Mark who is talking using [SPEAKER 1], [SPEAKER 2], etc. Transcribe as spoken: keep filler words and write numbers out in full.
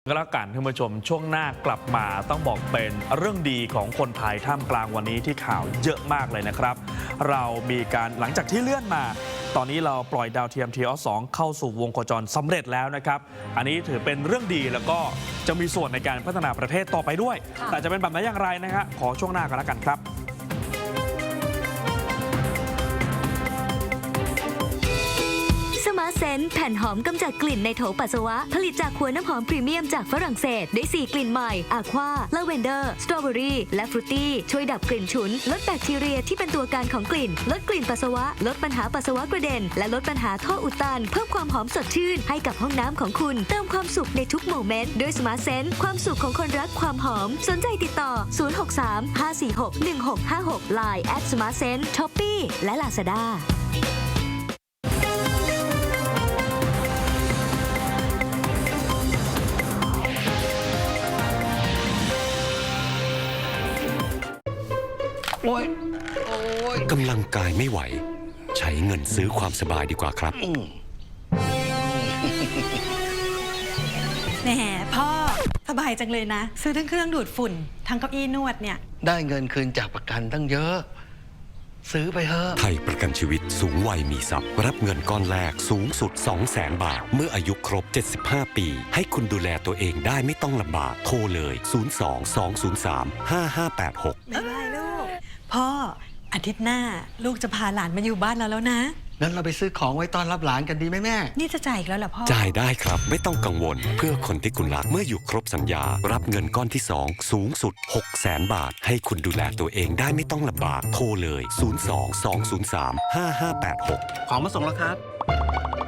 [SPEAKER 1] ก็แล้วกันท่านผู้ชมช่วงหน้ากลับมาต้องบอกเป็นเรื่องดีของคนไทยท่ามกลางวันนี้ที่ข่าวเยอะมากเลยนะครับเรามีการหลังจากที่เลื่อนมาตอนนี้เราปล่อยดาวเทียม ที ออส สอง เข้าสู่วงโคจรสำเร็จแล้วนะครับอันนี้ถือเป็นเรื่องดีแล้วก็จะมีส่วนในการพัฒนาประเทศต่อไปด้วยแต่จะเป็นแบบไหนอย่างไรนะฮะขอช่วงหน้ากันแล้วกันครับ
[SPEAKER 2] สมาร์ทเซนส์แผ่นหอมกำจัดกลิ่นในโถปัสสาวะผลิตจากขวดน้ำหอมพรีเมียมจากฝรั่งเศสได้สี่กลิ่นใหม่อะควาลาเวนเดอร์สตรอเบอรี่และฟรุตตี้ช่วยดับกลิ่นฉุนลดแบคทีเรียที่เป็นตัวการของกลิ่นลดกลิ่นปัสสาวะลดปัญหาปัสสาวะกระเด็นและลดปัญหาท่ออุดตันเพิ่มความหอมสดชื่นให้กับห้องน้ำของคุณเติมความสุขในทุกโมเมนต์ด้วยสมาร์ทเซนส์ความสุขของคนรักความหอมสนใจติดต่อศูนย์ หก สาม ห้า สี่ หก หนึ่ง หก ห้า หก ไลน์ แอท สมาร์ทเซนส์ ช้อปปี้ และ ลาซาด้า
[SPEAKER 3] กำลังกายไม่ไหวใช้เงินซื้อความสบายดีกว่าครับ
[SPEAKER 4] แหมพ่อสบายจังเลยนะซื้อทั้งเครื่องดูดฝุ่นทั้งเก้าอี้นวดเนี่ย
[SPEAKER 5] ได้เงินคืนจากประกันตั้งเยอะซื้อไปเถอะ
[SPEAKER 3] ไทยประกันชีวิตสูงวัยมีทรัพย์รับเงินก้อนแรกสูงสุด สองแสน บาทเมื่ออายุครบเจ็ดสิบห้าปีให้คุณดูแลตัวเองได้ไม่ต้องลำบากโทรเลยศูนย์ สอง สอง ศูนย์ สาม ห้า ห้า แปด หก
[SPEAKER 4] บ๊ายบายลูกพ่ออาทิตย์หน้าลูกจะพาหลานมาอยู่บ้านเราแล้วนะ
[SPEAKER 5] งั้นเราไปซื้อของไว้ต้อนรับหลานกันดีไหมแม่
[SPEAKER 4] นี่จะจ่ายอีกแล้วเหรอพ่อ
[SPEAKER 3] จ่ายได้ครับไม่ต้องกังวลเพื่อคนที่คุณรักเมื่ออยู่ครบสัญญารับเงินก้อนที่สองสูงสุด หกแสน บาทให้คุณดูแลตัวเองได้ไม่ต้องลำบากโทรเลยศูนย์ สอง สอง ศูนย์ สาม ห้า ห้า แปด หก
[SPEAKER 6] ของมาส่งแล้วครับ